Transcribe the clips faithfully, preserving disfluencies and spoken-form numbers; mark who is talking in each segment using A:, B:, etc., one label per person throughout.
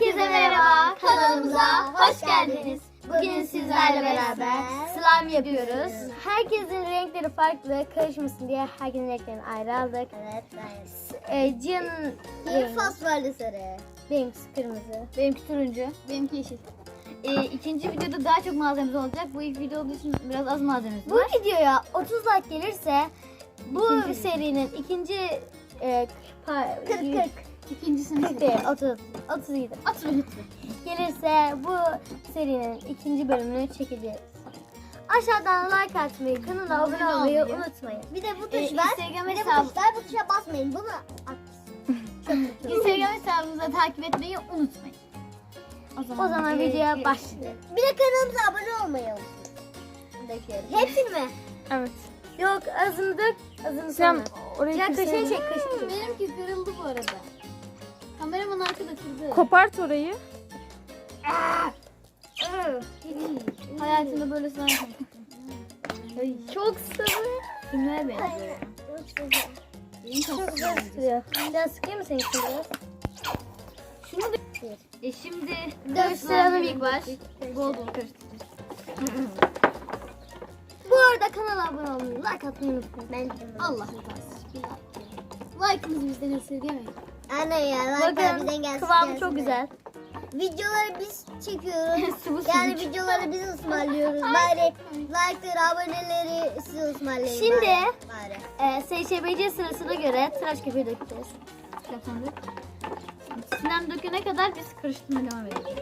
A: Herkese merhaba, kanalımıza hoş geldiniz. Bugün sizlerle beraber slime yapıyoruz. Herkesin renkleri farklı, karışmasın diye herkesin renklerini ayrı aldık.
B: Evet, evet.
A: Ee, Cihan'ın
B: Bir fosforlu sarı.
A: benimkisi kırmızı.
C: Benimki turuncu, benimki yeşil. Ee, ikinci videoda daha çok malzememiz olacak. Bu ilk video olduğu için biraz az malzememiz
A: Bu
C: var.
A: videoya otuz like gelirse bu
C: İkinci.
A: serinin ikinci e, pa-
B: kırk kırk.
C: İkincisini
A: kırk değil, otuz. otuz idi.
C: At ve lütfen.
A: Gelirse bu serinin ikinci bölümünü çekeceğiz. Aşağıdan like atmayı, kanala abone
C: Abone
A: olmayı
C: olmayı.
A: unutmayın.
B: Bir de bu tuş
C: Ee,
B: var.
C: Instagram
B: Bir de bu
C: hesabı-
B: tuş var. Bu tuşa basmayın. Bunu at.
C: Instagram hesabımıza takip etmeyi unutmayın.
A: O zaman
C: e,
A: videoya
C: e,
A: başlayalım.
B: Bir de kanalımıza abone olmayı unutmayın. Döküyorum.
A: Hepsini mi?
D: Evet.
A: Yok, azını dök, azını
D: Sen
A: sonra.
D: orayı
A: Ya kaşığı
D: keseydin.
A: çek, kaşığı çek.
C: Benimki kırıldı bu arada. Kameraman arkada kırdı.
D: Kopart orayı.
C: Hayatımda böyle slime yapmadım.
A: Çok sıvı.
C: Kimlere benziyor?
A: Çok güzel sıkıyor. Biraz sıkayım mı senin için biraz?
C: Şunu da... E şimdi
A: Karıştıralım ilk baş.
C: Bol bol karıştıracağız.
A: Bu arada kanala abone olmayı, like atmayı unutmayın.
B: Ben
C: Allah razı Like'ınızı bizden esirgemeyin.
B: Anne ya. Like bizden
A: Bakın
B: gelsin.
A: kıvamı
B: gelsin
A: çok
B: de.
A: güzel.
B: Videoları biz çekiyoruz.
C: Sıvı
B: yani
C: sucuk.
B: videoları biz ısmarlıyoruz. Bari like'ları, aboneleri siz ısmarlayın.
A: Şimdi-
B: bari. bari.
A: Ee, S Ş B C sırasına göre tıraş köpüğü dökeceğiz.
C: Kapandık. Sinem dökene kadar biz karıştırmaya devam edelim.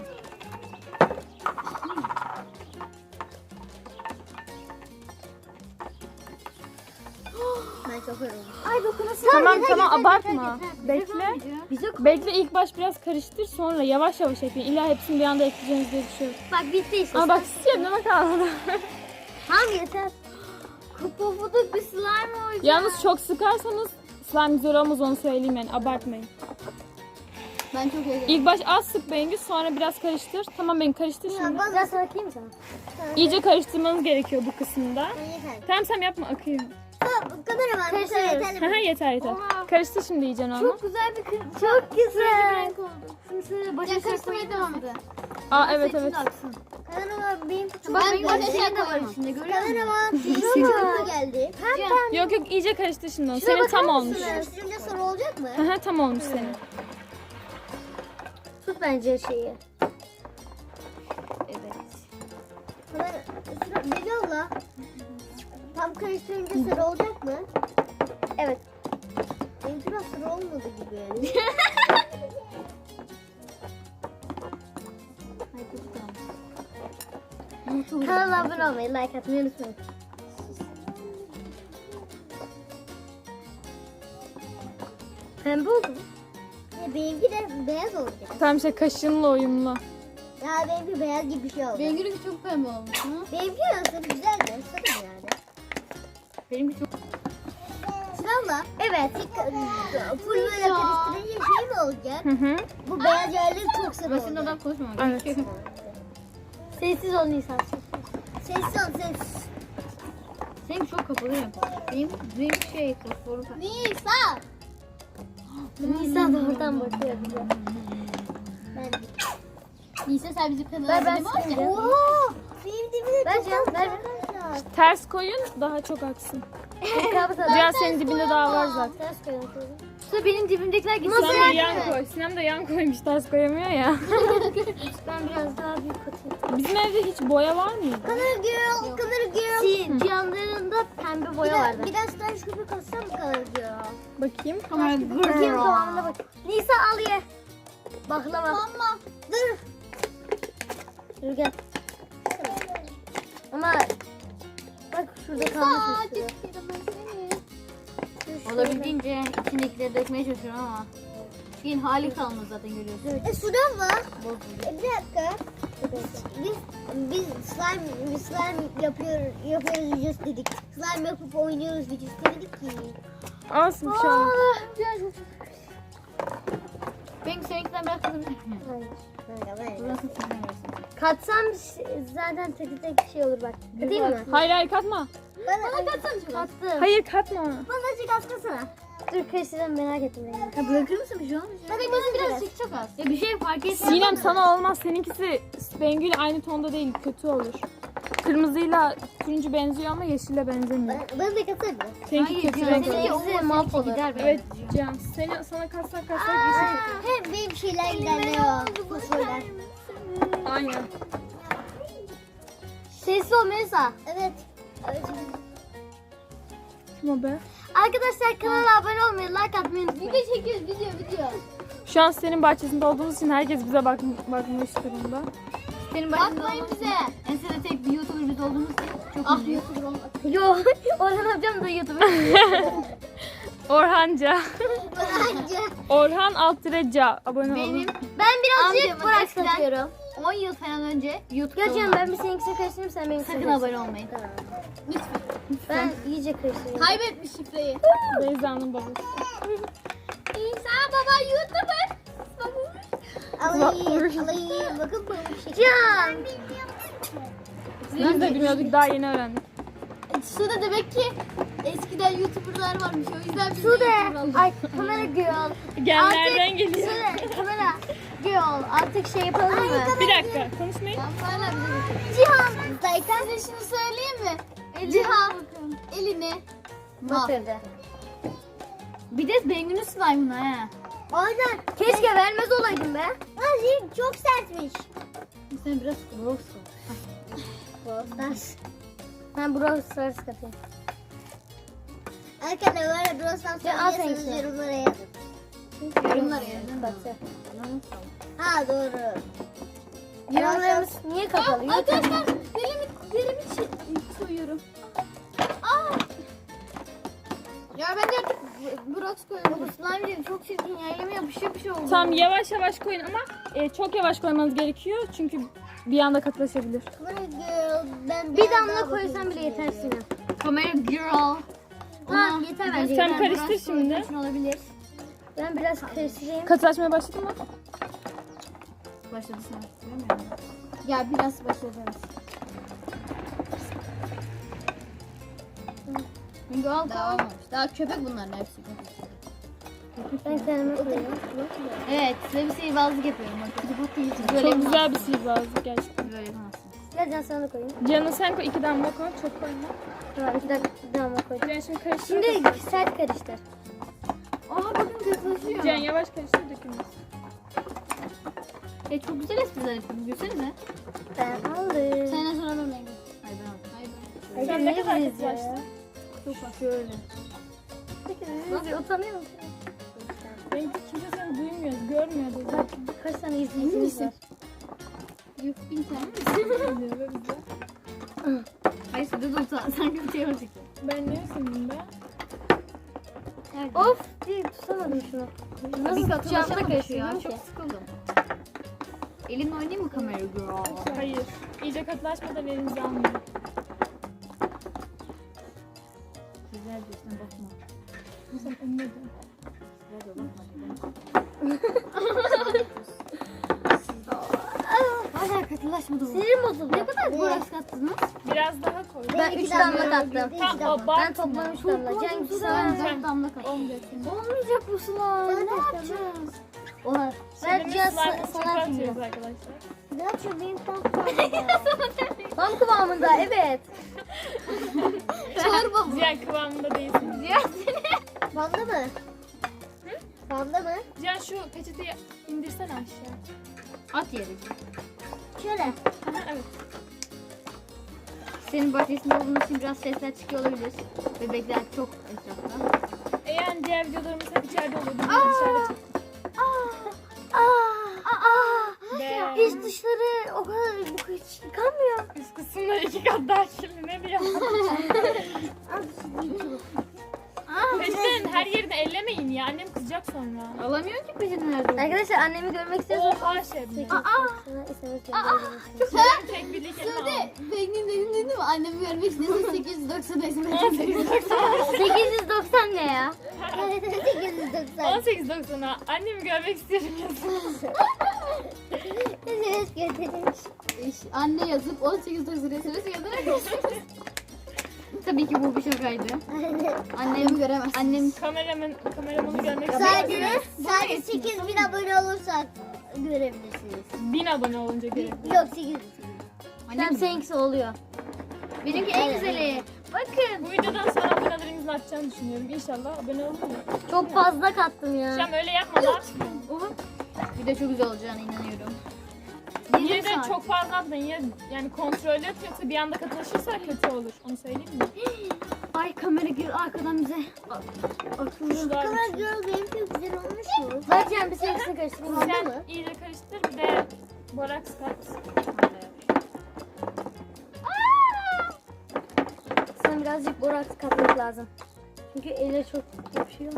B: Ben çok yoruldum.
A: Ay dokunası.
D: Tamam tamam abartma. Bekle.
A: Bize
D: Bekle ilk baş biraz karıştır sonra yavaş yavaş ekleyin. İlla hepsini bir anda ekleyeceğiniz diye bir şey yok.
A: bak bitti işte.
D: Ama bak siz kendine kalmadı.
A: Tamam yeter.
C: Kupufuduk bir slime olacak.
D: Yalnız çok sıkarsanız slime güzel olmaz onu söyleyeyim yani abartmayın.
C: Ben çok heyecanlıyım.
D: İlk baş az sık Bengü sonra biraz karıştır. Tamam ben karıştır şimdi.
A: Biraz sana atayım mı sana?
D: İyice karıştırmanız gerekiyor bu kısımda.
B: Ben yeter.
D: Tamam sen yapma akıyor.
B: Tamam, kameraman bu kadar
A: Karıştırıyoruz.
B: yeterli
D: Haha
B: mi?
D: yeter yeter.
C: Oha.
D: Karıştır şimdi iyice onu.
C: Çok güzel bir kır.
A: Çok güzel.
C: renk oldu.
A: Şimdi şöyle
C: Başa
A: başa
C: karıştırmaya devam edin.
D: Aa evet evet.
B: Kameraman benim çok
C: Bak
B: güzel
C: benim başa
B: geldi.
C: şey de var içinde görüyor musun?
B: Kameraman benim çok geldi.
D: Yok yok iyice karıştır şimdi onu. Senin tam olmuş.
B: Karıştırınca soru olacak mı?
D: Haha tam olmuş senin.
A: tut bence şeyi.
C: Evet.
B: Kamera- Deli abla. Tam karıştırınca sarı olacak mı?
A: Evet.
B: Benim biraz sarı olmadı gibi yani.
C: Hayır, çok tamam.
A: Kanala abone olmayı, like atmayı unutmayın. Pembe oldu mu?
B: Ya benimki de beyaz olacak.
D: Tam işte kaşınla uyumlu.
B: Ya benimki beyaz gibi bir şey oldu.
C: Benimki çok pembe olmuş. Hı?
B: Benimki nasıl güzel de sarı yani.
C: Benimki çok...
B: Sırala. Evet. Full böyle karıştırınca şey mi olacak?
D: Hı hı.
B: Bu beyaz yerleri çok sarı
C: Başında
B: olacak.
C: adam konuşmamak
D: Evet.
C: gerekiyor.
A: Sessiz ol Nisan.
B: Sessiz ol sessiz.
C: Seninki çok kapalı yapar. Benim, benim şey fosforu pembe.
B: Nisa.
A: Nisan da buradan bakıyor bize.
B: Ben
C: Neyse sen bizim
A: Ver,
C: kanala
A: ben
C: abone ol
A: sileceğim.
C: ya.
B: Oha! Benim dibine
A: Ver
B: çok
A: Cihan,
B: az
A: ver.
B: arkadaşlar.
D: Ters koyun daha çok aksın.
A: Kabı da
D: Cihan senin dibinde daha var zaten.
A: ters koyalım şöyle.
C: İşte benim dibimdekiler gitsin.
D: Sinem de yan koy. Sinem de yan koymuş ters koyamıyor ya.
A: Ben biraz daha büyük atayım.
D: Bizim evde hiç boya var mıydı?
B: Color girl, color girl.
A: Si, Cihan'ların da pembe
B: Bir
A: boya
B: de,
A: vardı.
B: biraz tıraş köpük atsam mı color girl?
D: Bakayım.
A: Bakayım kıvamına bak. Nisa al ye. Baklava.
B: Tamam. Dur.
A: Dur gel. Ama bak şurada kalmış üstüne.
C: Olabildiğince içindekileri dökmeye çalışıyorum ama şeyin hali kalmadı zaten görüyorsun.
B: E sudan var.
C: Bozuldu.
B: E, bir dakika. Biz biz slime biz slime yapıyor yapıyoruz videosu dedik. Slime yapıp oynuyoruz videosu dedik ki.
D: Olsun bir şey olmaz.
C: Benim seninkinden biraz kızım.
A: Hayır.
B: Kanka ben.
C: Burası sizden versin.
A: Katsam zaten tek tek şey olur bak. Katayım mı?
D: Hayır hayır katma.
B: Bana
C: Katsana çok az.
A: Kattım.
D: Hayır katma.
B: bana azıcık az katsana.
A: Dur karıştıralım merak ettim. Ben.
C: Ya bırakır mısın bir şey olmuş ya?
B: Hadi bizim biraz.
C: Birazcık çok az. Ya bir şey fark etmez.
D: Sinem sana olmaz. Seninkisi Bengü'yle aynı tonda değil. Kötü olur. Kırmızıyla turuncu benziyor ama yeşille benzemiyor.
B: Ben, ben de katarım.
D: Seninki
C: Hayır
D: kötü
C: canım,
D: renk
C: seninki
D: olur.
C: olmasa
A: mahvolur.
C: gider be.
D: Evet Can. Seni, sana kassak kassak yeşil kötü.
B: Hep benim şeyler ilerliyor. Fosforlar.
D: Aynen.
A: Sesli ol Melisa.
B: Evet. Evet.
D: Kim o be?
A: Arkadaşlar kanala abone olmayı, like atmayı unutmayın.
B: Video çekiyoruz video video.
D: Şu an senin bahçesinde olduğumuz için herkes bize bak bakmış durumda.
C: Senin başında
B: Bakmayın
C: olması-
B: bize.
C: Ensede tek bir YouTuber biz olduğumuz için çok
B: Ah
C: mutluyuz.
B: YouTuber olmak.
A: Yo, Orhan amcam da YouTuber.
D: Orhanca.
B: Bence.
D: Orhan Altıreca. Abone olun.
C: Benim
A: Ben birazcık
C: Amcamın
A: Burak
C: eskiden-
A: satıyorum.
C: on yıl falan önce YouTube'da
A: Gerçekten
C: olan-
A: ben bir seninkisini karıştırayım, sen benimkisini
C: Sakın
A: karıştır.
C: abone olmayın.
A: Ben iyice karıştırayım.
B: Kaybetmiş şifreyi.
D: Beyza'nın babası.
B: İsa baba YouTuber. Alayım. Alayım. Bakın pamuk şeker.
A: Can.
D: Biz de bilmiyorduk, daha yeni öğrendik.
B: Suda demek ki eskiden YouTuber'lar varmış. O yüzden biz de
A: Sude.
B: YouTuber olduk.
A: Ay kamera girl.
D: Genlerden geliyor.
A: Sude kamera girl. Artık şey yapalım mı?
D: Bir dakika konuşmayın.
B: Hala bize
A: Cihan.
B: Zaykan. Size şunu söyleyeyim mi? Cihan. Elini.
A: Batırdı.
C: Bir de Bengü'nün slime'ına he.
A: Aynen. Keşke vermez olaydım be.
B: Azim çok sertmiş.
C: Sen biraz gross
A: Stars. Ben Brawl Stars katayım.
B: Arkadaşlar böyle Brosnan
A: Ya, al
B: söylüyorsanız
A: seninkini.
B: yorumlara yazın.
C: Yorumlara yazın.
A: Batı.
B: Ha doğru.
A: Yorumlarımız niye kapalı? YouTube.
B: Arkadaşlar dilimi, dilimi çi- soyuyorum. Aa! Ya ben de artık Brox koyuyorum.
A: Bu slime değil, çok çirkin ya. Elime yapış yapış oldu.
D: Tamam yavaş yavaş koyun ama e, çok yavaş koymanız gerekiyor çünkü bir anda katılaşabilir.
B: Girl, ben
A: Bir
B: biraz
A: damla
B: daha
A: koysan
B: bakayım
A: bile
B: şuraya.
A: yeter Sinem.
C: Kamera girl.
A: Tamam yeter bence.
D: Sen
A: yeter.
D: karıştır
C: Biraz
D: şimdi.
C: koyduğun için olabilir.
A: Ben biraz karıştırayım.
D: Katılaşmaya başladı mı?
C: Başladı sen hatırlamıyorum.
B: Ya biraz başlayacağız.
C: Bengü al
B: Daha
C: tamam.
B: olmamış. Daha köpek bunların hepsi.
A: Ben kendime koyayım.
C: Evet size bir sihirbazlık yapıyorum. Bakın. Siz böyle
D: Çok
C: yapamazsınız.
D: güzel bir sihirbazlık gerçekten.
C: Böyle yapamazsınız.
A: Gel Can sana da koyayım.
D: Canı sen koy, iki damla koy, çok koyma.
A: Tamam iki dakika bir damla koydum.
D: Can şimdi karıştır.
A: Şimdi sert karıştır.
C: Aa bakın kızlaşıyor.
D: Can yavaş karıştır, dökülmez.
C: E çok güzel espriler yapıyorum. Gülsenize.
A: Ben aldım.
B: Senden sonra ben Bengü.
C: Hayır ben aldım.
B: Hayır.
A: Ay,
D: Sen
A: ne
D: ne kadar
A: güzel ya.
D: katılaştın?
C: Çok bak şöyle.
A: Nasıl utanıyor musun?
D: Benimki kimse seni duymuyor, görmüyor da zaten.
A: Kaç tane izleyicimiz var?
B: Yuh bin tane.
D: Diyor ve bize.
C: Hayır size de utan. Sanki bir şey olacak.
D: Ben ne sanırım be?
A: Of bir tutamadım şunu. Nasıl
C: Bir
A: tutacağımı da
C: katılaşamamış ya.
A: karıştırdım ki.
C: Çok sıkıldım. Elinle oynayayım mı kamera girl?
D: Hayır. İyice katılaşmadan elinizi almayın.
C: Güzel diyorsun bakma.
D: Sen önüne dön.
C: Güzel de bakma. Hala katılaşmadı bu.
A: Sinirim bozuldu.
C: Ne kadar borax kattınız?
D: Biraz daha koy.
A: Ben
B: iki
A: üç
B: damla
A: damla kattım.
B: koydum.
D: Tamam,
B: İki damla.
D: o
A: Ben toplam üç damla. Can git sana.
C: Ben damla kattım.
A: Olmayacak bu slime. Ne yapacağız? Oha. Ben
D: Şimdi
A: Can
D: slime'ı çöpe
A: sana
D: atıyoruz
A: atayım.
D: arkadaşlar.
B: Ne yapıyor benim tam kıvamında.
A: Tam kıvamında evet.
B: Çorba bu.
D: Cihan kıvamında değilsin.
B: Panda mı? Panda mı?
D: Cihan şu peçeteyi indirsene aşağı.
C: At yere.
B: Şöyle.
D: Aha, evet.
C: Senin bahçesinde olduğun için biraz sesler çıkıyor olabilir. Bebekler çok etrafta.
D: Eğer diğer videolarımız hep içeride olur. Biz de dışarıda çektik.
A: Aa, aa,
D: Be.
A: iç dışları o kadar bu hiç yıkanmıyor.
D: Üst kısımda iki kat daha kirli, ne diyor? Peçetenin her yerini ellemeyin ya. Annem kızacak sonra.
C: Alamıyor ki peşini nerede?
A: Arkadaşlar annemi görmek istiyorsanız
D: Oha Şebnem.
A: Aa,
D: Tek bir kelime al.
B: Sude, Bengü'nün dediğini duydun mu? Annemi görmek istiyorsan sekiz yüz doksan esmer.
D: on sekiz doksan.
A: sekiz yüz doksan ne ya?
B: sekiz yüz doksan.
D: on sekiz doksana. Annemi görmek istiyorum yazın.
B: Evet götürmüş. Anne yazıp on sekiz doksan S M S gönderebilirsiniz.
C: Tabii ki bu bir şakaydı.
B: Aynen.
C: Annem göremez. Annem
D: Kameraman, kameramanı görmek
B: Sadece,
D: istiyorum.
B: sadece sekiz bin abone olursak görebilirsiniz.
D: bin abone olunca
B: Bir-
D: görelim.
B: Yok sekiz bin.
C: annem
A: Seninkisi oluyor.
C: benimki en güzeli. Bakın.
D: Bu videodan sonra abonelerimizin artacağını düşünüyorum. İnşallah abone olun mu?
A: Çok fazla kattım ya.
D: Şam öyle yapma lan.
C: Oha. Bir de çok güzel olacağına inanıyorum.
D: Yine de çok fazla atmayın. Ya, yani kontrol et yoksa bir anda katılaşırsa kötü olur. Onu söyleyeyim mi?
C: Ay kamera gir arkadan bize.
D: Kuşlar.
B: Kamera girl benimki güzel olmuş mu?
A: Bakacağım bir seninkisini karıştırayım. Oldu mu?
D: Sen iyice karıştır bir de boraks kat.
A: Sana birazcık boraks katmak lazım. Çünkü ele çok yapışıyor.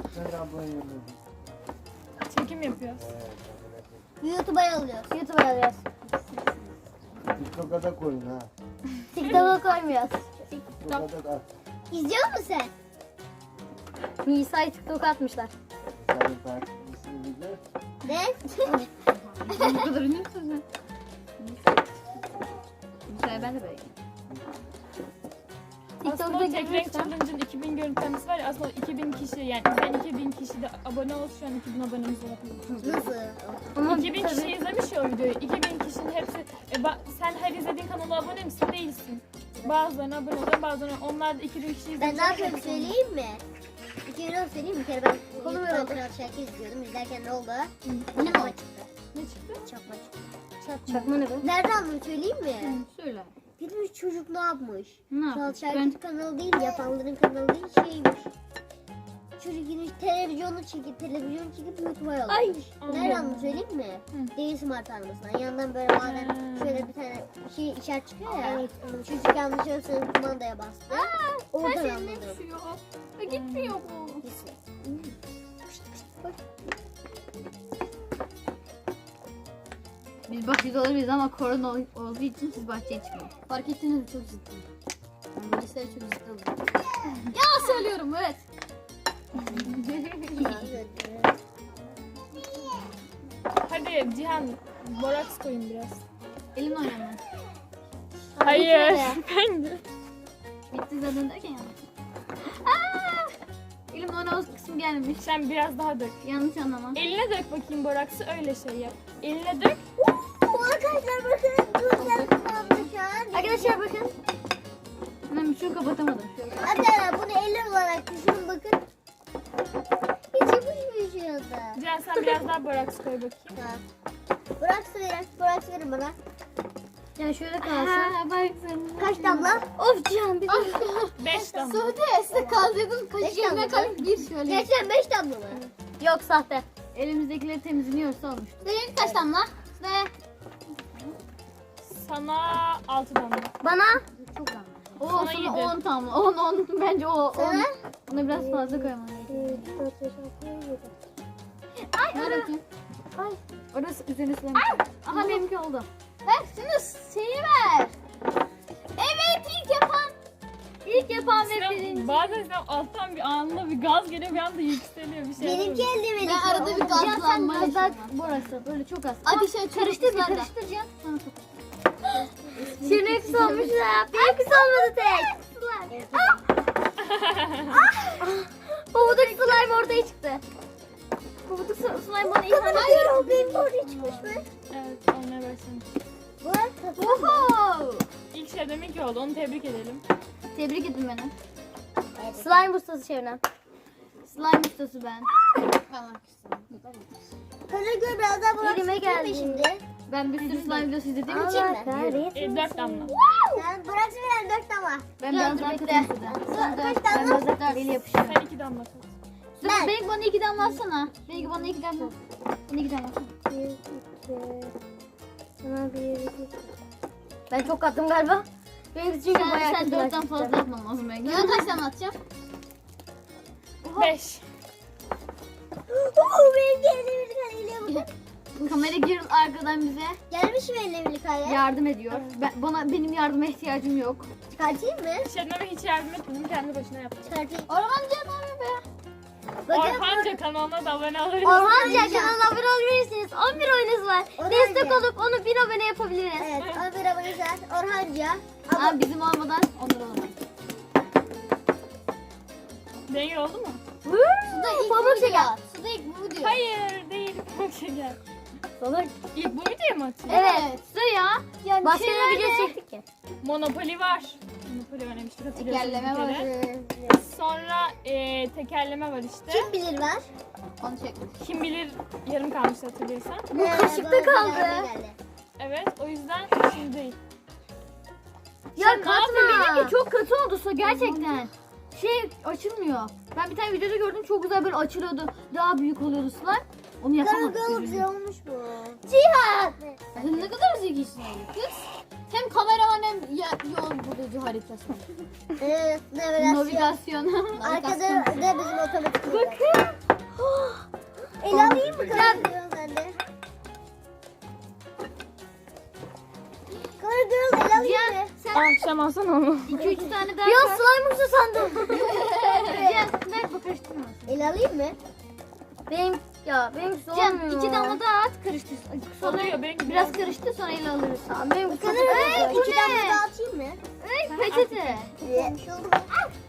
D: Çekim yapıyoruz.
B: YouTube'a yolluyoruz.
A: YouTube'a alıyoruz.
E: TikTok'a da koyun ha.
A: TikTok'a koymuyoruz.
E: TikTok'a da at.
B: İzliyor musun sen?
A: Nisa'yı TikTok'a atmışlar.
E: Senin takipçisini bilir.
B: Ne?
C: Bu kadar ünlü müsün sen? Bu sefer ben de böyle.
D: Aslında o tek renk challenge'ın iki bin görüntülemesi var ya aslında iki bin kişi yani sen iki bin kişi de abone ol şu an iki bin abonemiz var.
B: Nasıl?
A: Ama
D: iki bin
A: tabii-
D: kişi izlemiş ya o videoyu. iki bin kişinin hepsi e, ba- sen her izlediğin kanala abone misin? Değilsin. Bazılarına abone oluyor, bazılarına onlar da iki bin kişi izlemiş.
B: Ben ne yapıyorum söyleyeyim mi? İki euro söyleyeyim mi? Bir kere ben
A: Konu
B: YouTube'dan
A: ver.
B: Kral Şarkı izliyordum. İzlerken ne oldu? Çakma çıktı.
D: Ne çıktı?
B: Çakma çıktı.
A: Çakma ne be?
B: Nereden bunu söyleyeyim mi?
C: Söyle.
B: Gitmiş çocuk ne yapmış?
C: Ne
B: Kral
C: yapıyorsun?
B: Şarkı kanalı değil, yapanların kanalı değil, şeymiş. Çocuk gitmiş televizyonu çekip, televizyon çekip YouTube'a yollamış. Nereden bunu söyleyeyim mi? Değil smart armasından. Yandan böyle bazen şöyle bir tane şey işaret çıkıyor ya. Çocuk yanlışlıkla kumandaya bastı. Oradan anladım.
C: düşüyor. Ve gitmiyor bu. Biz bahçede olabiliriz ama korona ol- olduğu için siz bahçeye çıkmayın. Fark ettiniz mi? Çok ciddi. Ben böyle işlere çok ciddi oluyorum. Ya söylüyorum evet.
D: Hadi Cihan boraks koyun biraz.
C: Elimle oynamam.
D: Hayır. Ben de.
C: Bitti zaten derken yanlış. Aa! Elimle oynamaz kısmı gelmemiş.
D: Sen biraz daha dök.
C: Yanlış anlama.
D: Eline dök bakayım boraksı öyle şey yap. Eline dök.
B: Arkadaşlar bakın. Dur kullandı şu an.
A: Arkadaşlar bakın.
C: Ben bir şey kapatamadım. Şöyle.
B: Hatta bunu eller olarak düşünün bakın. Hiç yapışmıyor şu anda.
D: Cihan sen biraz daha boraks koy bakayım.
B: Tamam. Bırak su verin. Bırak su verin bana.
A: Yani şöyle kalsın.
C: Ha, bak sen.
B: Kaç damla?
A: Of Cihan bir de.
D: Beş damla.
C: Sude size kaldırdım.
B: Beş
C: Kaç yerine
B: damla.
C: kalk gir şöyle.
B: Gerçekten beş damla mı?
A: Yok sahte.
C: Elimizdekileri temizliyorsa olmuş. Senin kaç damla? Ne?
D: Sana altı damla.
A: Bana
C: Çok damla. O
D: Sana
C: sana
D: yedi.
C: on damla. on on bence o on.
B: Sana?
C: Buna biraz fazla koymam gerekiyor. Ay orada. Ay. Orası üzerine silemiş. Aha benimki oldu. Ver şunu şeyi ver. Evet ilk yapan. İlk yapan ve
D: Sinan,
C: birinci.
D: bazen sen alttan bir anla bir gaz geliyor bir anda yükseliyor bir şey.
B: Benimki eldivenli.
C: Ben arada bir
A: Cihan sen
C: gazlanma
A: biraz daha
C: yaşıyorum.
A: burası böyle çok az.
C: Ateşe
A: Karıştır bir
C: karıştır
A: karıştır Cihan.
C: Sana sok.
A: Şirin hepsi olmuş ya. Benimkisi olmadı tek. Pabuduk slime ortaya çıktı. Pabuduk slime bana ihanet
B: Hayır o benim oraya çıkmış mı?
D: Evet olmaya başlamış.
B: Bu arada
C: Oho.
D: İlk şey demek ki oldu onu tebrik edelim.
C: Tebrik edin beni.
A: Slime ustası Şevnen.
C: Slime ustası ben.
B: Karagöl biraz daha bırak.
A: Elime geldi.
B: Şimdi.
C: Ben bir sürü slime videosu izlediğim için
B: Allah
D: E, dört damla.
B: Sen bırak veren dört damla.
C: ben biraz daha
B: bekle.
C: katım
B: Kaç
C: Ben
B: damla?
C: biraz daha eli yapışıyor.
D: Sen iki damla kat.
C: Ben. Belki bana iki damla atsana. Belki bana iki damla. Bana iki damla atsana.
A: Bir, iki. Sana bir, iki. Ben çok kattım galiba. Benimkisi çünkü
C: Sen,
A: bayağı
C: sen
A: kötü
C: dörtten
A: başladı.
C: fazla atman lazım belki. Ben kaç damla atacağım?
D: Beş.
B: Oo benim eldivenli karayla bakın.
C: Kamera girip arkadan bize
B: Gelmiş mi eldivenli karaya?
C: yardım ediyor. Ben, bana benim yardıma ihtiyacım yok.
B: Çıkartayım mı?
D: Şebnem'e hiç yardım etmedim kendi başına yaptım.
B: Çıkartayım.
C: Ormancı ne yapıyor be?
B: Bakın.
D: Orhanca kanalına da abone olabilirsiniz.
A: Orhanca kanalına abone olabilirsiniz. on bir oyunuz var.
B: Orhanca.
A: Destek olup onu bin abone yapabiliriz.
B: Evet, on bir abone var. Orhanca.
C: Ama bizim olmadan onlar olamaz.
D: Bengül oldu mu?
B: Suda ilk
A: Pamuk
B: bu
A: şeker.
B: diyor. Suda ilk bu diyor.
D: Hayır değil. Pamuk şeker.
A: Salak.
D: İlk bu videoya mı atıyor?
A: Evet.
C: Su ya. Yani
A: Başka
C: şeyler
A: ne video
C: de-
A: çektik ki?
D: Monopoly var. Monopoly oynamıştık hatırlıyorsunuz
C: Tekerleme
D: bir
C: var.
D: kere. Sonra e, tekerleme var işte.
B: Kim bilir var?
C: Onu çekmiş.
D: Kim bilir yarım kalmıştı hatırlıyorsan.
B: Bu
A: kaşıkta kaldı.
D: Evet o yüzden şimdi değil.
A: Ya
C: Sen ne yaptın?
A: katma.
C: Benimki çok kötü oldu su gerçekten. Şey açılmıyor. Ben bir tane videoda gördüm çok güzel böyle açılıyordu. Daha büyük oluyordu sular. Onu yapamadık.
B: Karagalı
C: üzüldüm.
B: güzel olmuş bu.
A: Cihat.
C: Sen ne kadar zekisin öyle kız. Hem kameraman hem ya, yol bulucu haritası.
B: Evet, navigasyon.
C: Navigasyon.
B: Arkada da bizim otomatik. Bakın. El alayım mı Karagöl ben de? Karagöl el alayım
C: Cihan
B: mı?
C: sen
D: Akşam alsana onu.
C: iki üç tane daha
A: Bir an
C: koy.
A: slime'ımsı sandım.
C: Cihan ver bak karıştırmasın.
B: El alayım mı?
A: Benim ya benim
C: Cihan
A: olmuyor.
C: iki damla daha at karıştır. Sonra
D: Oluyor, benimki
C: biraz
D: biraz-
C: karıştı sonra ele alırız.
A: Tamam, benim
B: Kadar
A: kadar.
B: bu İki damla daha atayım mı?
C: Ay peçete.
B: Bir şey oldu mu?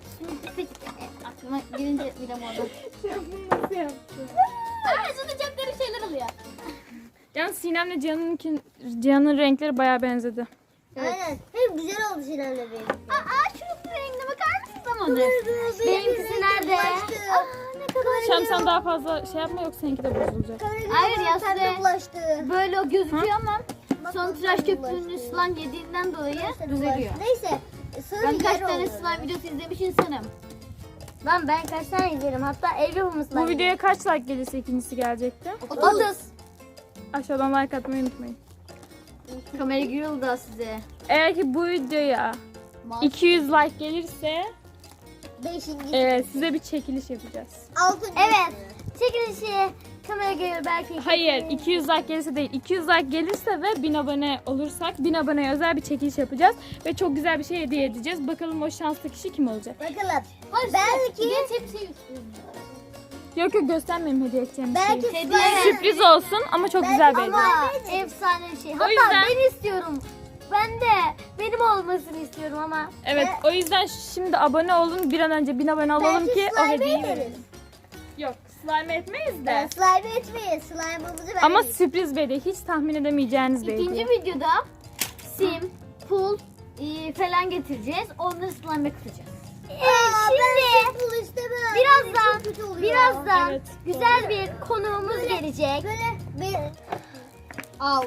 C: Aklıma gelince bile oldu.
D: Nasıl yaptın?
C: Aa şurada çok garip şeyler oluyor.
D: Yani Sinem'le Cihan'ın Cihan'ın renkleri bayağı benzedi.
B: Aynen. Hem güzel oldu Sinan'la benim.
C: Aa şunun rengine bakar mısın zamanı?
A: Benimkisi nerede?
C: Aa ne kadar
D: Şam sen daha fazla şey yapma yoksa seninki de bozulacak.
C: Hayır ya, size-
B: Pembe bulaştı.
C: böyle o gözüküyor ama
B: Bak,
C: son
B: bak,
C: tıraş
B: pembe
C: köpüğünü
B: bulaştı.
C: slime yediğinden dolayı
B: Bulaştı,
C: düzeliyor.
B: bulaştı. Neyse. Sarı
C: Ben kaç
B: yer
C: tane
B: oldu.
C: slime videosu izlemiş insanım.
A: Lan ben kaç tane izlerim? Hatta ev yapımı slime.
D: Bu videoya kaç like gelirse ikincisi gelecekti.
A: otuz.
D: Aşağıdan like atmayı unutmayın.
C: Kamera giriyor da size.
D: Eğer ki bu videoya iki yüz like gelirse
B: Beşinci.
D: e, size bir çekiliş yapacağız.
B: Altıncı.
A: Evet. Çekilişi kamera görür belki.
D: Hayır iki yüz like gelirse değil. iki yüz like gelirse ve bin abone olursak bin aboneye özel bir çekiliş yapacağız. Ve çok güzel bir şey hediye edeceğiz. Bakalım o şanslı kişi kim olacak?
B: Bakalım.
C: Hayır,
B: Belki-
C: Geç hep şey istiyorum.
D: Yok yok göstermeyeyim hediye edeceğim bir
B: Belki
D: şey.
B: slime.
D: Sürpriz olsun ama çok güzel bir hediye.
A: Ama efsane bir şey. Hatta
D: yüzden-
A: ben istiyorum. Ben de benim olmasını istiyorum ama.
D: Evet o yüzden şimdi abone olun bir an önce bin abone olalım
B: Belki
D: ki o
B: slime
D: hediyeyi
B: ederiz.
D: verelim. Yok slime etmeyiz de.
B: Ben slime etmeyiz. Slime'ımızı vermeyiz.
D: Ama sürpriz bir hediye. Hiç tahmin edemeyeceğiniz bir
C: İkinci
D: hediye.
C: videoda sim, pul e, falan getireceğiz. Onları slime'e kutacağız.
A: Ee, şimdi
B: Pul istemem.
A: birazdan
B: Çok kötü oluyor.
A: birazdan
D: Evet.
A: güzel bir konuğumuz gelecek.
B: Böyle bir...
C: Al.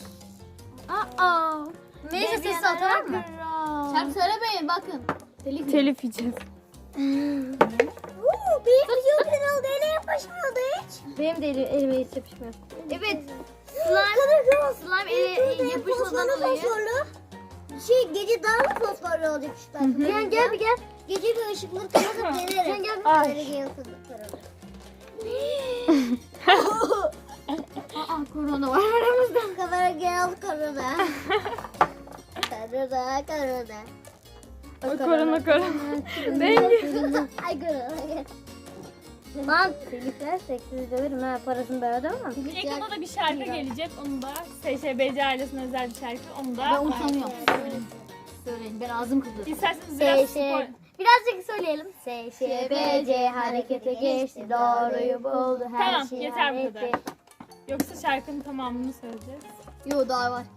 A: Aa. Neyse ses atar mı?
C: Şarkı söylemeyin bakın. Telif.
D: Telif yiyeceğiz.
B: Uuu benim video kanalı ele yapışmıyordu hiç.
A: Benim de elim, elime hiç yapışmıyor.
C: Evet.
B: Slime,
C: Slime ele yapışmadan dolayı.
B: Fosforlu. Şey gece daha mı fosforlu olacak şu tarafa?
A: Gel gel bir gel.
B: Gece bir ışıkları kapatıp denerim.
A: Sen gel bir-
B: Böyle yansıdıkları.
C: Aa korona var aramızda.
B: Kamera gel korona. Korona korona.
D: O korona korona. Bengül.
B: Ay korona.
A: Lan teliflersek sizi döverim ha. Parasını ben ödemem.
D: Yakında da bir şarkı gelecek. Onu da S Ş B C ailesine özel bir şarkı. Onu da
C: Ben utanıyorum. Söyleyin. Söyleyin. Ben ağzım kızdı.
D: İsterseniz biraz
A: S
D: spor...
A: Ş Birazcık söyleyelim. S Ş B C harekete geçti. Doğruyu buldu. Her
D: Tamam,
A: şey
D: yeter bu
A: halletti.
D: kadar. Yoksa şarkının tamamını söyleyeceğiz.
C: Yo daha var.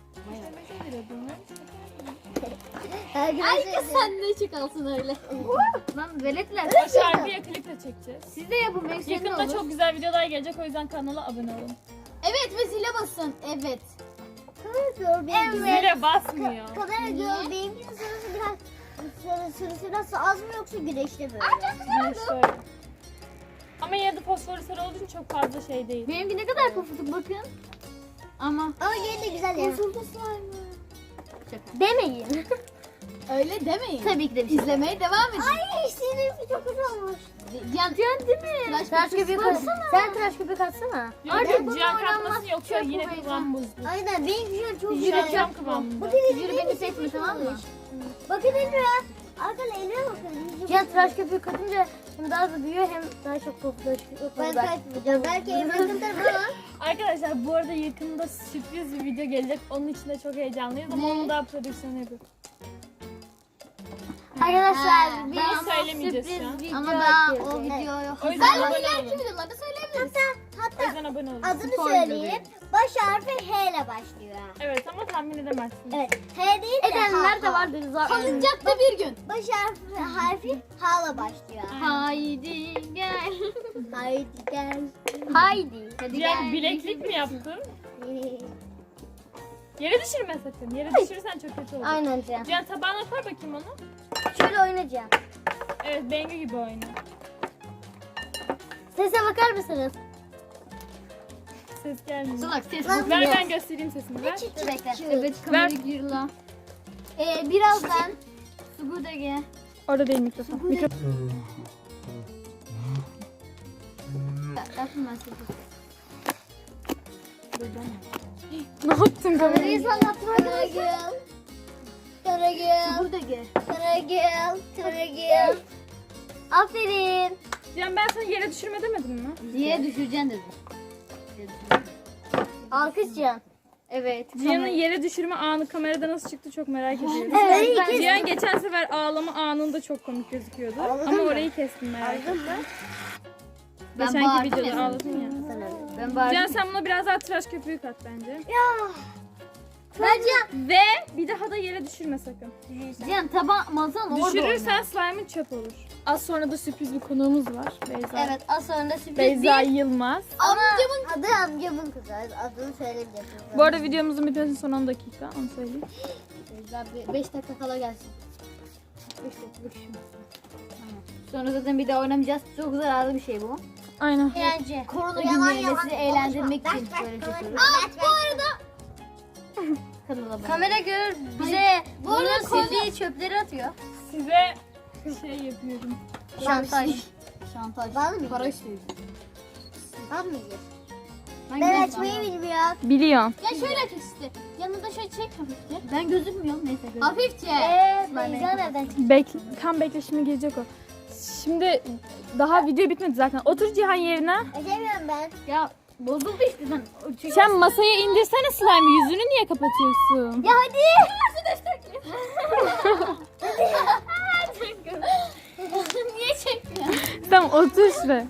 B: Her gün
C: Ay kız sen ne çıkalsın öyle. Lan veletler.
D: O şarkıyı klip de çekeceğiz.
C: Siz de yapın belki senin
D: Yakında
C: olur.
D: çok güzel videolar gelecek. O yüzden kanala abone olun.
C: Evet ve zile basın. Evet.
B: Kamera benim.
D: Zile basmıyor.
B: Kamera gör benimkinin sırası biraz sarı sarı sırası az mı yoksa güneşte böyle?
D: Güneş böyle. Ama yine de fosforu sarı olduğu için çok fazla şey değil.
C: Benimki ne kadar pofuduk bakın. Ama
B: Ama yine de güzel ya.
C: şaka.
A: Demeyin.
C: Öyle demeyin.
A: Tabii ki de bir şey.
C: İzlemeye devam edin.
B: Ay seninki çok güzel olmuş.
C: Cihan, Cihan değil mi?
A: Tıraş köpüğü katsana. Sen tıraş köpüğü katsana.
D: Yok,
C: Artık
D: ciğer
C: bunu
D: katması
C: oynanmaz,
D: yoksa
C: çöp
D: yine
C: bu beyza.
D: kıvam bozdu.
B: Aynen benimki şu an çok
D: Yürü
B: güzel.
D: cam kıvamında.
C: Yürü beni seçme tamam mı?
B: Bakın Emre. Arkadaşlar elime bakın.
A: Cihan tıraş köpüğü katınca hem daha hızlı büyüyor hem daha çok popülaşıyor.
B: Ben kaçmayacağım. Belki Emre katarım ama.
D: Arkadaşlar bu arada yakında sürpriz bir video gelecek. Onun için de çok heyecanlıyız ama
C: Ne?
D: onu daha prodüksiyonu yapıyor.
A: Arkadaşlar
C: He,
A: bir
D: ben söylemeyeceğiz
A: sürpriz
D: şu an.
A: video
C: Ama daha
A: açıyoruz.
C: o videoyu
D: O yüzden abone
C: ileriki
D: olun.
C: videolarda söyleyebiliriz.
D: O
B: Hatta
D: yüzden abone olun.
B: adını
C: Spoiler
B: söyleyeyim. Baş harfi H ile başlıyor.
D: Evet ama tahmin edemezsiniz.
B: Evet. H değil de
A: Edenler
B: H.
A: de vardır zaten.
C: Salıncakta bir gün.
B: Baş harfi, harfi H ile başlıyor.
C: Haydi gel.
B: Haydi gel.
A: Haydi.
C: Hadi
D: Cihan
C: gel.
D: bileklik mi yaptın? Yere düşürme sakın. Yere düşürürsen çok kötü olur.
A: Aynen Cihan.
D: Cihan tabağına koy bakayım onu.
A: Şöyle oynayacağım.
D: Evet Bengü gibi oyna.
A: Sese bakar mısınız?
D: Ses gelmiyor.
C: Salak ses
B: Lan-
D: Ver ben göstereyim sesini ver.
A: Dur bekle.
C: Evet kamera gir la.
A: Ee, birazdan
C: Su burada gel.
D: Orada değil mikrofon. Mikrofon.
C: Yaptım ben sesi.
D: Ne yaptın kamerayı?
A: kamerayı sallattım arkadaşlar.
B: Karagül.
C: Burada gel.
B: Karagül. Karagül.
A: Aferin.
D: Cihan ben sana yere düşürme demedim mi?
C: Diye düşüreceksin dedim.
A: Alkış Cihan.
C: Evet.
D: Cihan'ın yere düşürme anı kamerada nasıl çıktı çok merak ediyorum.
A: Evet.
D: Ben Cihan geçen sefer ağlama anında çok komik gözüküyordu. Ama orayı kestim merak ettim.
C: Ben
D: Geçenki
C: bağırdım
D: videoda
C: ya.
D: ağladın ya.
C: Ben
D: Cihan
C: bağırdım.
D: sen buna biraz daha tıraş köpüğü kat bence.
A: Bence
D: Ve bir daha da yere düşürme sakın.
C: Cihan taban masanın orada
D: Düşürürsen slime'ın çöp olur. Az sonra da sürpriz bir konuğumuz var. Beyza.
A: evet az sonra da sürpriz
D: Beyza
A: değil.
D: Yılmaz.
B: Amcamın adı amcamın kızı. Adını söylemeyeceğim.
D: Bu arada videomuzun bitmesi son on dakika. Onu söyleyeyim.
C: beş dakika kala gelsin. beş dakika düşün. Sonra zaten bir daha oynamayacağız. Çok zararlı bir şey bu.
D: Aynen.
A: Bence.
C: Korona
B: Yalan
C: günlerinde
B: yalan
C: sizi eğlendirmek
B: konuşma.
C: için
B: Ders
C: böyle
B: ders
C: yapıyoruz.
B: konuşma.
A: Bu arada
C: Kanala abone.
A: kamera görür bize
C: Bu arada
A: bunun
C: konu-
A: sildiği çöpleri atıyor.
D: Size şey yapıyorum.
A: Şantaj.
C: Şantaj.
B: Var mı?
C: Para istiyor.
B: Var mı yiyeceğiz?
C: Ben,
B: Ben
C: gözükmüyorum.
B: açmayı bilmiyorum.
D: Biliyorum.
C: Ya şöyle aç işte. Yanında şöyle çek hafifçe. Ben gözükmüyorum neyse. Gözükmüyorum. Hafifçe.
A: Eee Beyza nereden çıktı?
D: Bek tam bekle şimdi gelecek o. Şimdi daha video bitmedi zaten. Otur Cihan yerine.
B: Açamıyorum ben.
C: Ya bozuldu işte sen. Çek-
D: Sen masaya indirsene slime. Yüzünü niye kapatıyorsun?
A: Ya hadi.
C: Niye çekmiyorsun?
D: Tamam otur şuraya.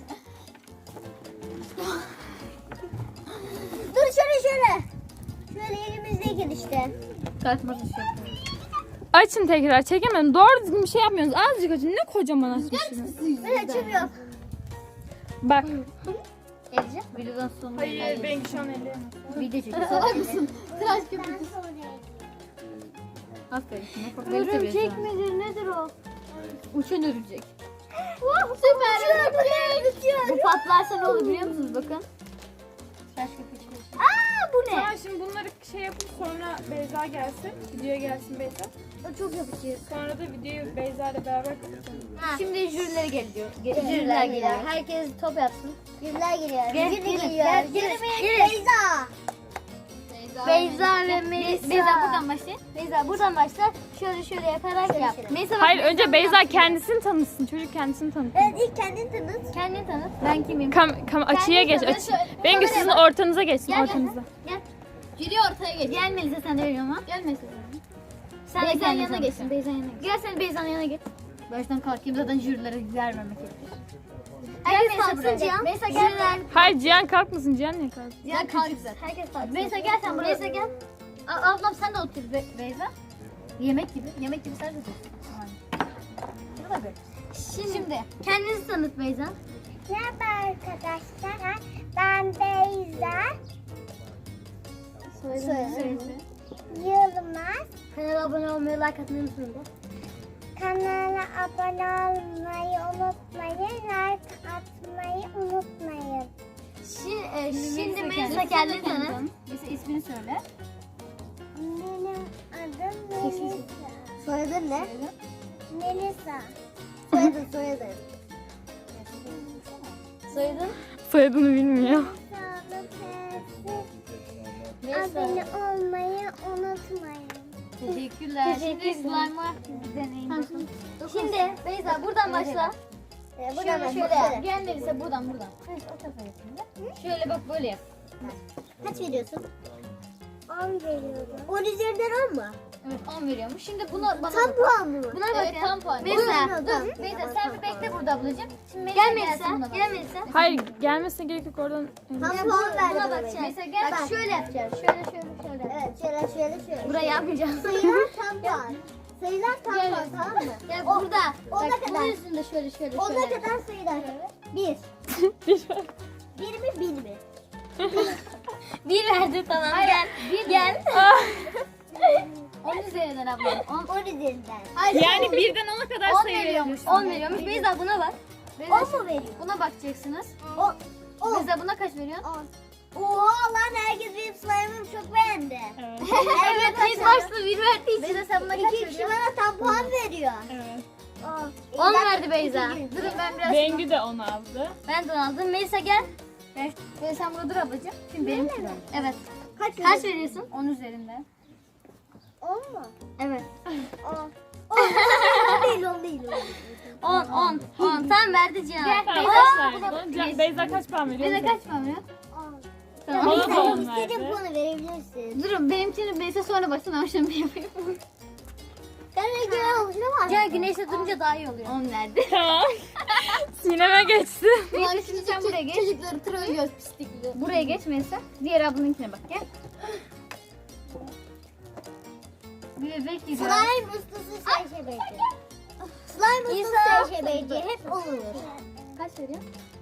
B: Dur şöyle şöyle. Şöyle elimizdeyken işte.
C: Kaçmasın şey.
D: Açın tekrar. Çekemedim. Doğru düzgün bir şey yapmıyorsunuz. Azıcık açın. Ne kocaman açmışsınız.
B: Ben açamıyorum.
D: Bak.
C: Geleceğim. Videodan sonra.
D: Hayır ben şu an elleyemem.
C: Video çekiyor. Salak mısın? Tıraş köpüğü.
B: Ben sonrayım.
C: Aferin. Ne bak, beni
A: Örümcek
C: seviyorsun.
A: midir nedir o?
C: Uçan örümcek.
B: Süper.
C: Bu patlarsa ne olur biliyor musunuz? Bakın. Tıraş köpüğü çıkıyor.
B: Aa bu ne?
D: Tamam şimdi bunları şey yapıp sonra Beyza gelsin. Videoya gelsin Beyza.
B: O çok yapışıyor.
D: Sonra da videoyu Beyza ile beraber kapatalım.
C: Şimdi jürileri geliyor. Ge-
A: Jüriler
B: Jüriler
A: geliyor.
B: geliyor.
A: Herkes top yapsın.
B: Yüzler geliyor.
C: Gel,
B: Jüri
C: gelin,
B: geliyor.
C: gel,
B: Jüri
C: gelin,
B: benim Beyza.
A: Beyza ve Melisa.
C: Beyza buradan başlayın.
A: Beyza buradan başla. Şöyle şöyle yaparak
B: Şöyle
A: yap.
B: şöyle.
C: Melisa bak,
D: Hayır
C: Beyza
D: önce
C: buradan
D: Beyza
C: başlayın.
D: kendisini tanıtsın. Çocuk kendisini tanıtsın.
B: Evet ilk kendin tanıt.
A: Kendini tanıt.
C: Ben kimim?
D: Kam, kam açıya geç.
A: tanı,
D: Açı.
A: söyle.
D: Bengü sizin ortanıza geçsin.
A: Gel, gel.
D: Ortanıza.
C: Jüri ortaya geç. Gel Melisa sen de veriyorum ama. Gel Melisa sen.
A: Sen de
C: Beyza'nın
A: kendini
C: yanına
A: tanıt.
C: geçsin. Beyza'nın yanına geç.
A: Gel sen Beyza'nın yanına git.
C: Baştan kalkayım zaten jürilere vermemek gerekir.
A: Herkes
C: Melisa
A: kalksın
C: buraya.
A: Cihan.
C: Melisa gel.
A: Jüriler.
D: Hayır Cihan kalkmasın. Cihan niye kalksın?
C: Cihan kalk güzel.
A: Herkes kalksın.
C: Melisa gel sen buraya. Melisa gel. A- ablam sen de otur Be- Beyza. Yemek gibi. Yemek gibi sen de otur. Burada bir.
A: Şimdi, Şimdi kendinizi tanıt Beyza.
B: Merhaba arkadaşlar. Ben Beyza.
A: Söyle.
B: Yılmaz.
A: Kanala abone olmayı, like atmayı unutmayın.
B: Kanala abone olmayı unutmayın. Like atmayı unutmayın.
A: Şimdi, e, şimdi
C: Melisa
A: Melisa kendini tanıt.
C: Melisa ismini söyle.
B: Benim adım Melisa.
A: Soyadın ne?
B: Melisa. Soyadın soyadın.
A: Soyadın?
D: Soyadını bilmiyor.
B: Abone olmayı unutmayın.
C: Teşekkürler. Şimdi
A: Teşekkürler.
C: slime'ı deneyin bakın.
A: Şimdi Beyza buradan başla.
B: Ee,
A: Şöyle
B: buradan
A: şöyle
B: şöyle.
A: yap.
C: Gel Melisa buradan buradan. O tarafa yap şimdi. Şöyle bak böyle yap.
B: Kaç veriyorsun? on veriyorum. on üzerinden on mu?
C: Evet on veriyormuş. Şimdi buna bana
B: Tam
C: bak.
B: puan mı?
C: Buna evet, tam puan.
B: Buyurun.
C: Melisa
B: Tamam.
C: dur. Melisa sen bir bekle burada ablacığım. Şimdi Melisa
A: Gel
C: gelsin
A: Melisa.
C: buna bak.
A: Gel Melisa.
D: Hayır gelmesine gerek yok oradan.
B: Tam puan verdi
C: Buna
B: bana.
C: bakacağız. Melisa gel.
A: Bak şöyle yapacağız. Şöyle şöyle şöyle.
B: Evet şöyle şöyle şöyle.
A: Burayı yapmayacağız.
B: Sayılar tam puan. Sayılar tam puan tamam mı?
A: Gel burada.
B: Ona
A: Bak
B: kadar.
A: bunun üstünde şöyle şöyle
B: Ona
A: şöyle.
B: kadar sayılar. Bir. Bir mi bin mi?
A: Bir verdi tamam. Gel.
C: Bir
A: Gel.
C: on üzerinden abla. on.
B: On üzerinden.
D: Yani birden ona kadar
C: On
D: sayı
C: veriyormuş.
D: verebilirsin.
A: on veriyormuş. Beyza buna bak.
B: On mu veriyor?
C: Buna bakacaksınız.
B: On. On.
C: Melisa buna kaç veriyorsun?
B: On. Oha lan herkes benim slime'ımı çok beğendi.
D: Evet.
A: Evet ilk başta bir verdiği için.
C: Beyza sen buna kaç
B: İki kişi
C: veriyorsun?
B: bana tam puan veriyor.
D: Evet.
B: On.
A: on verdi Beyza.
C: Durun ben biraz.
D: Bengü de onu aldı.
A: Ben de onu aldım. Melisa gel.
C: Ver. Melisa sen burada dur ablacığım. Şimdi benim sıram. Evet.
B: Kaç
A: Kaç veriyorsun?
C: on üzerinden.
B: On mu?
A: Evet.
B: On. On. On değil on değil.
A: on on on. Tam verdi Cihan.
C: Gel.
D: Tamam
C: Beyza,
D: kaç verdin? Can- Beyza kaç puan veriyor?
C: Beyza kaç puan veriyorsun?
B: On.
A: Tamam.
D: Bana da on
B: İstediğin
D: verdi.
B: puanı verebilirsin.
C: Durun benimkini Beyza sonra baksın ben şimdi yapayım.
B: Ben güzel oluşuna var.
A: Gel güneşte durunca daha iyi oluyor.
C: on verdi.
D: Tamam. Sineme geçti.
C: Şimdi şimdi sen buraya geç. Çocukları trollüyoruz pislikli. Buraya geç Melisa. Diğer ablanınkine bak gel. Bir bebek giriyor.
B: Slime ustası Seyşebeci. Slime ustası
A: İnsan-
B: Seyşebeci hep olur.
C: Kaç veriyor?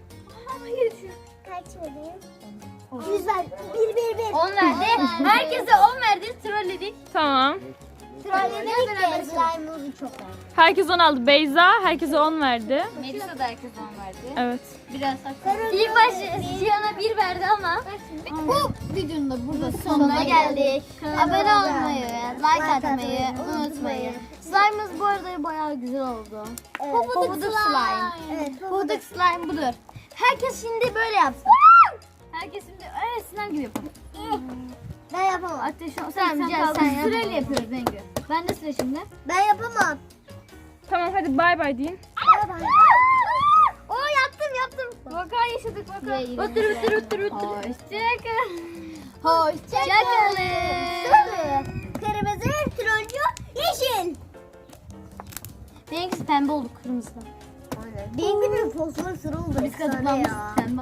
B: Kaç vereyim? Güzel. Bir bir bir.
A: on verdi. Herkese on verdi. Trolledik.
D: Tamam.
B: Trolledik de slime'ımızı çok beğendim.
D: Herkes on aldı. Beyza herkese on verdi.
C: Melisa da herkes on verdi.
D: Evet.
C: Biraz sakın.
A: İlk başta Cihan'a bir verdi ama
C: Bu videonun da burada sonuna
A: sonuna
C: geldik.
A: geldik.
B: Kanalıma
A: Abone
B: abone
A: olmayı, like atmayı unutmayın. Slime'ımız bu arada bayağı güzel oldu.
B: Evet.
A: Pofuduk slime.
B: Evet.
A: Pofuduk slime budur. Herkes şimdi böyle yapsın.
C: Herkes şimdi evet sınav gibi yapalım.
B: Ben yapamam.
C: Ateş sen,
A: Sen,
C: sen,
A: gel,
C: sen
A: sen yap.
C: Sırayla yapıyoruz Bengü. Ben de sıra şimdi.
B: Ben yapamam.
D: Tamam hadi bay bay deyin.
A: Oo yaptım yaptım.
C: Vaka yaşadık vaka.
A: Otur otur otur otur.
C: Hoşçakal.
A: Hoşçakalın.
B: Sarı, kırmızı, turuncu, yeşil.
A: Benimkisi pembe oldu kırmızı.
B: Benim gibi fosfor sarı oldu.
C: Biz
B: Efsane
C: kazıklanmışız.
B: ya.
C: Sen